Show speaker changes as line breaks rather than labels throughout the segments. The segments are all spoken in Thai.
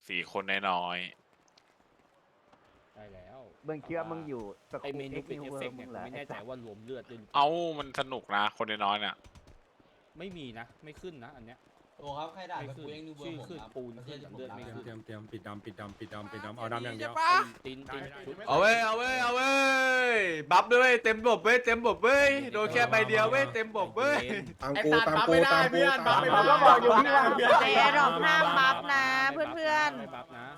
4 คนน้อย
ได้แล้ว
มึงคิดว่ามึงอยู่ส
ไอ
กู
เมนู
เอ็ก
เป็น
นิว
เอฟ
เวิ
เฟ
ร์
กต์
มึ
เนี่ย
ง
ผ
เหร
ม
อ
ไม่แน่ใจว่ารวมเลือดด้วย
ๆ เอ้ามันสนุกนะคนน้อยๆเนี่ย
ไม่มีนะไม่ขึ้นนะอันเนี้ย
โอ้ครับใครด่า
ไม่
กับ
ขึ้น
กูเองดูเบอ
ชื่อ
ร์ผม
ขึ้น
ครับ
ปูน
ประเท
ขึ้
ศ
น
ที่ผม
เลือด
รัก
ไม่
นะ
ขึ้น
เตรียมปิดดำเอาดำอย่างเดียว
ตินชุด
เอาเว้ยเอาเว้ยเอาเว้ยบัฟด้วยเต็มบบเว้ยเต็มบบเว้ยโดนแค่ใบเดียวเว้ยเต็มบบเว้ย
ตามกูตามกูตามกูตาม
เราก็บอกอยู่ที่ว่า
ในแอร์ดรอปห้ามบัฟนะเพื่อน
ไม่บัฟนะ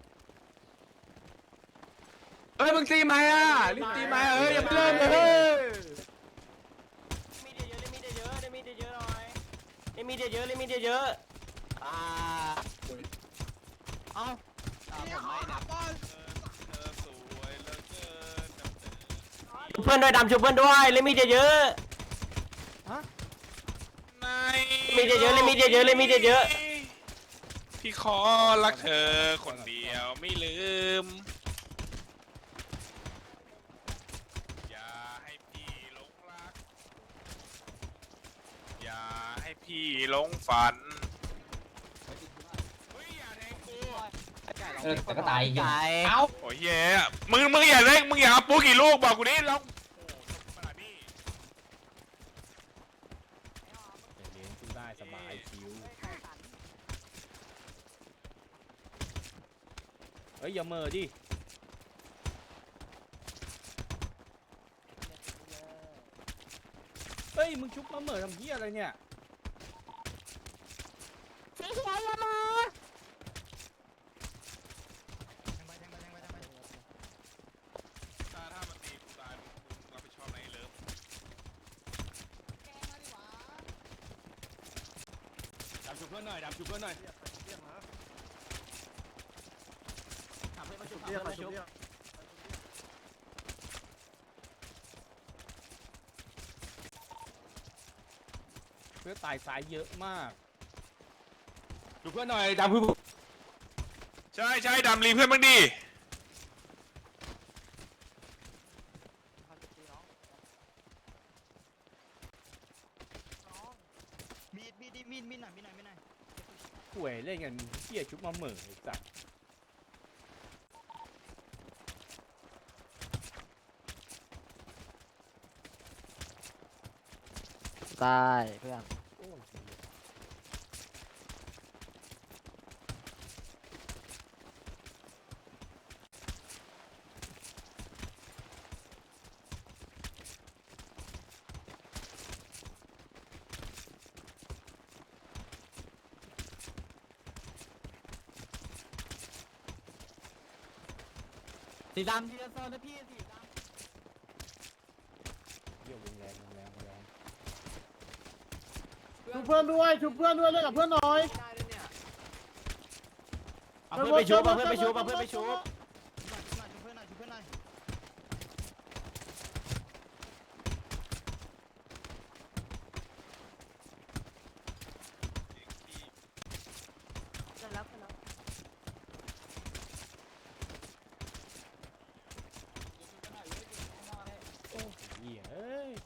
เอ้ยมึงตีไหมอ่ะรีบตีไหมเอ้ยอย่าเพิ่งเฮ้ย
มีเยอะมีเยอะมีเยอะหน่อยมีเยอะมีเยอะเอา ชุบเพื่อนด้วยดำชุบเพื่อนด้วยเลยมีเยอะมีเยอะเลยมีเยอะเลยมีเยอะ
พี่ขอรักเธอคนเดียวไม่ลืม อย่าให้พี่หลงรัก อย่าให้พี่หลงฝันเฮ้ยอย่าแทงกู
แต่ก็ตายเอ้า
โอ้ยแย่มึงอย่าเล่นมึงอย่าเอาปูกี่ลูกบอกกูดิแล้วโอ้โหขนาดนี้
เลี้ยงสู้ได้สบายคิวเฮ้ยอย่าเมอดิเฮ้ยมึงชุบมาเหมอทำเหี้ยอะไรเนี่ย
ถ้ามันตีกูตายมึงรับผิดชอบไหนเลิฟ
ดำชุบเพื่อนหน่อยดำชุบเพื่อนหน่อย
เพื่อตายซ้ายเยอะมาก
ชุบเพื่อนหน่อยดำคือ
ใช่ดำรีเพื่อนบ้างดิ
มีหน่อย
ป่วยเล่นกันเหี้ยชุบมาเหมอไอ้สัส
ตายเพื่อน
โอ้ย
สีดำทีละโซนนะพี่สีดำ
เหี้ยวงแรงวงแรงวงแรง
ชุบเพื่อนด้วยชุบเพื่อนด้วยเล่นกับเพื่อนหน่อย
เอาเพื่อนไปชุบเอาเพื่อนไปชุบเอาเพื่อนไปชุบ
ๆเสร็จแล้วเสร็จแล้ว
เหี้ยเอ้ย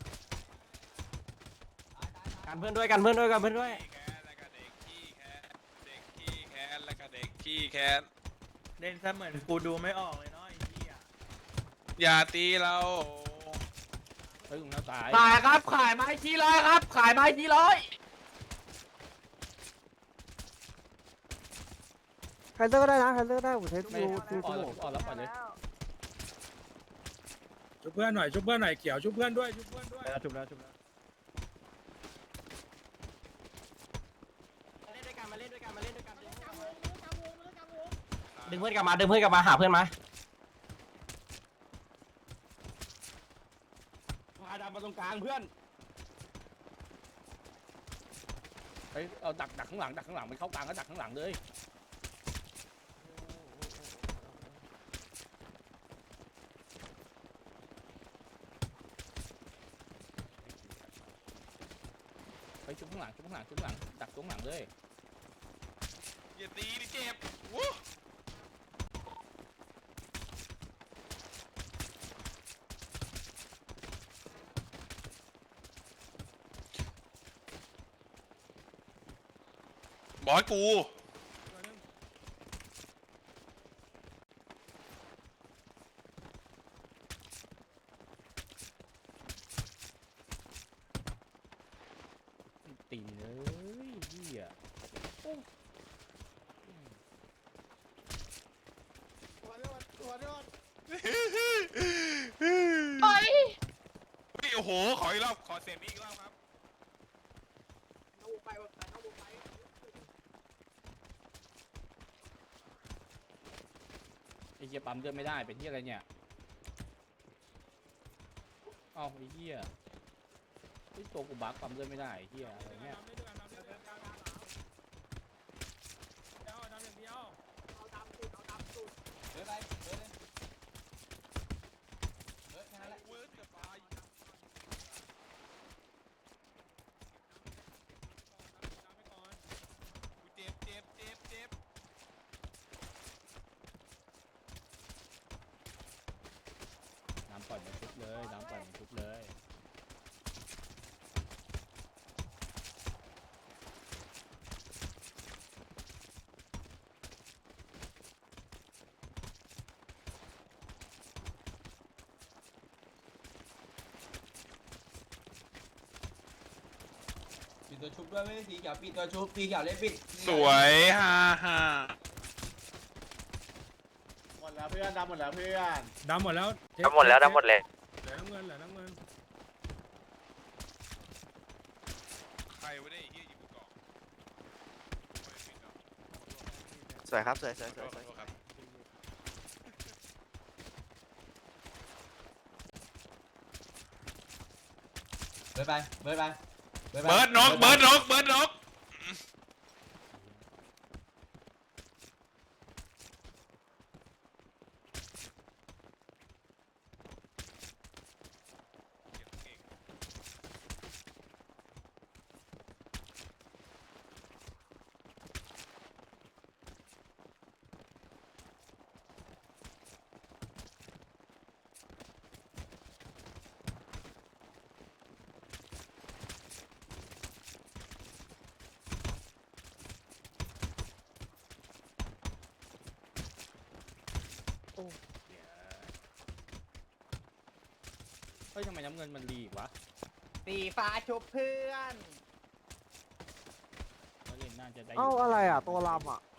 กันเพื่อนด้วยกันเพื่อนด้วยกันเพื่อนด้วย
แค้นแล้วก็เด็กขี้แค้นเด็กขี้แค้นแล้วก็เด็กขี้แค้น
เล่นซะเหมือนกูดูไม่ออกเลยเนาะไอ้เหี้ย
อย่าตีเรา
เฮ้ยมึงน่าตาย
ขายครับขายไม้ชี้ร้อยครับขายไม้ชี้ร้อย
ใครเลือกก็ได้นะใครเลือกได้ผมใช้
ไม่
ดู
ออกแล้วปล่อยเลย
ชุบเพื่อนหน่อยชุบเพื่อนหน่อยเขียวชุบเพื่อนด้วยชุบเพื่อนด้วย
จุบแล้วจุบแล้ว
มาเล่นด้วยกันมาเล่นด้วยกันมาเล่นด้วยกันดึงเพื่อนกลับมาดึงเพื่อนกลับมาหาเพื่อนมา
พาดำมาตรงกลางเพื่อน
เฮ้ยเอาดักข้างหลังมันเข้ากลางก็ดักข้างหลังเลยเฮ้ยชุบข้างหลังดักตรงหลังเลย
อย่าตีดิเจ็บวู้บอยกู
โอ้ย
เฮ้ยโอ้โหขออีกรอบขอเสียงนี้อีกรอบครับ
ไอ้เหี้ยปั๊มเลือดไม่ได้เป็นเหี้ยอะไรเนี่ยเอ้าไอ้เหี้ยไอ้ตัวกูบักปั๊มเลือดไม่ได้ไอ้เหี้ยอะไรเนี่ย
เจ็บเจ็บเจ็บเจ็บ
น้ำปล่อยมันทุบเลยน้ำปล่อยมันทุบเลย
ปิดตัวชุบด้วยไม่ได้สีเขียวปิดตัวชุบสีเขียวเล่นปิด
สวยฮ่าฮ่า
หมดแล้วเพื่อนดำหมดแล้วเพื่อนดำหมดแล้ว
ดำหมดแล้วดำหมดเลย
เหลือน้ำเงินเหลือน้ำเงิน
ใครวะเนี่ยไอ้เหี้ยยิงกูก่อน
สวยครับสวยสวยส
ข
วย
อ
สวย
โทษครับ
เบิร์ดไปเบิร์ดไป
เบิร์ดนกเบิร์ดนกเบิร์ดนก
เฮ้ยทำไมน้ำเงินมันรีวะ
สีฟ้าชุบเพื่อน
เขาเล่นน่าจะได้
เอ้าอะไรอ่ะตัวลำอ่ะ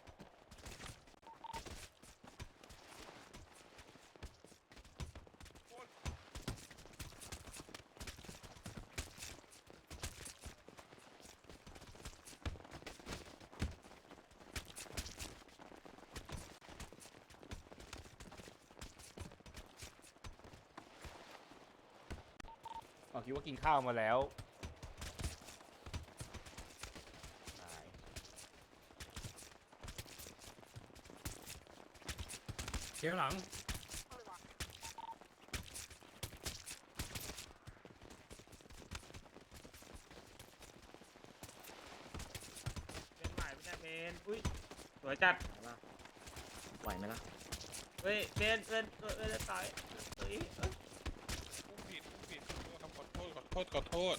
อ๋อคิดว่ากินข้าวมาแล้วตาย
เขียวหลัง
เป็นใหม่ไม่ใช่เบนอุ้ยสวยจัด
ไหวไหมล่ะ
เฮ้ยเบนจะตายเฮ้ย
ผู้ผิดผู้ผิดขอโทษครับขอโทษขอโทษ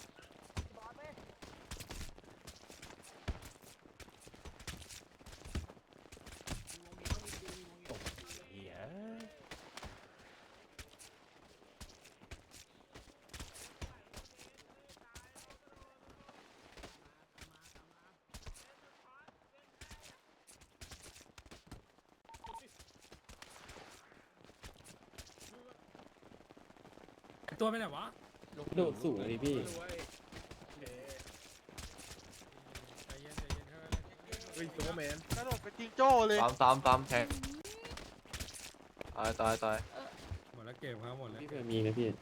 เหี้ย
ตัวไปไหนวะ
โดดสูงเลยพี่
ใจเย็นใจเย็นเฮ้ยซูเปอร์แมน
กระโดดเป็นจิงโจ้เลย
ตามแทงตาย
หมดแล้วเก็บครับหมดแล้ว
พี่เพื่อมีนะพี่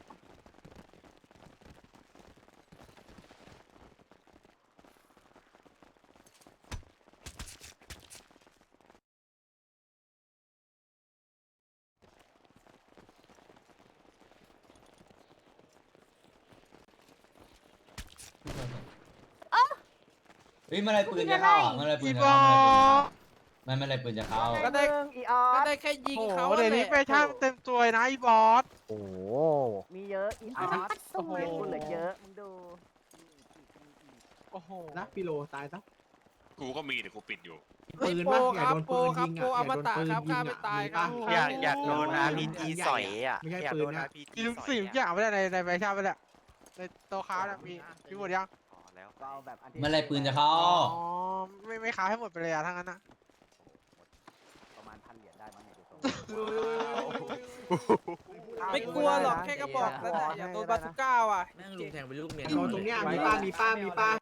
เฮ้ยเมื่อไรปืนจะเข้าอ่ะเมื่อไรปืนจะเข้าเมื่อไรปืนจะเข้า
ก็ได้อีออส
ได้แค่ยิงเขา
เดี๋ยวนี้ไปช่างเต็มตัวนะอีบอสโอ้มีเยอะอีออสโอ้โหคุณเหลือเยอะมึงดู
โอ้โห
นะปิโลตายซะ
กูก็มีแต่กูปิดอยู่
ปืนปะอย่าโดนปืนยิงอ่ะอย่าโดนปืนยิงอ่ะ
อยากโดน RPG สอยอ่ะ
ไม่ใช่ปืนนะ
มีลุงสี่อย่างไม่ได้ในแฟชั่นไม่ได้ในโตค้ามีหมดยังแล้วก็เอาแบบ
เมื่อไรปืนจะเข้า
อ๋อไม่ค้าให้หมดไปเลยอ่ะทั้งนั้นนะประมาณ1,000 เหรียญได้มั้งเนี่ยไม่กลัวหรอกแค่กระบอกนั่นแหละอย่าโดนบาซูก้าอ่ะ
แม่งลุงแทงไปลูกเมีย
ตรงเนี้ยมีป้า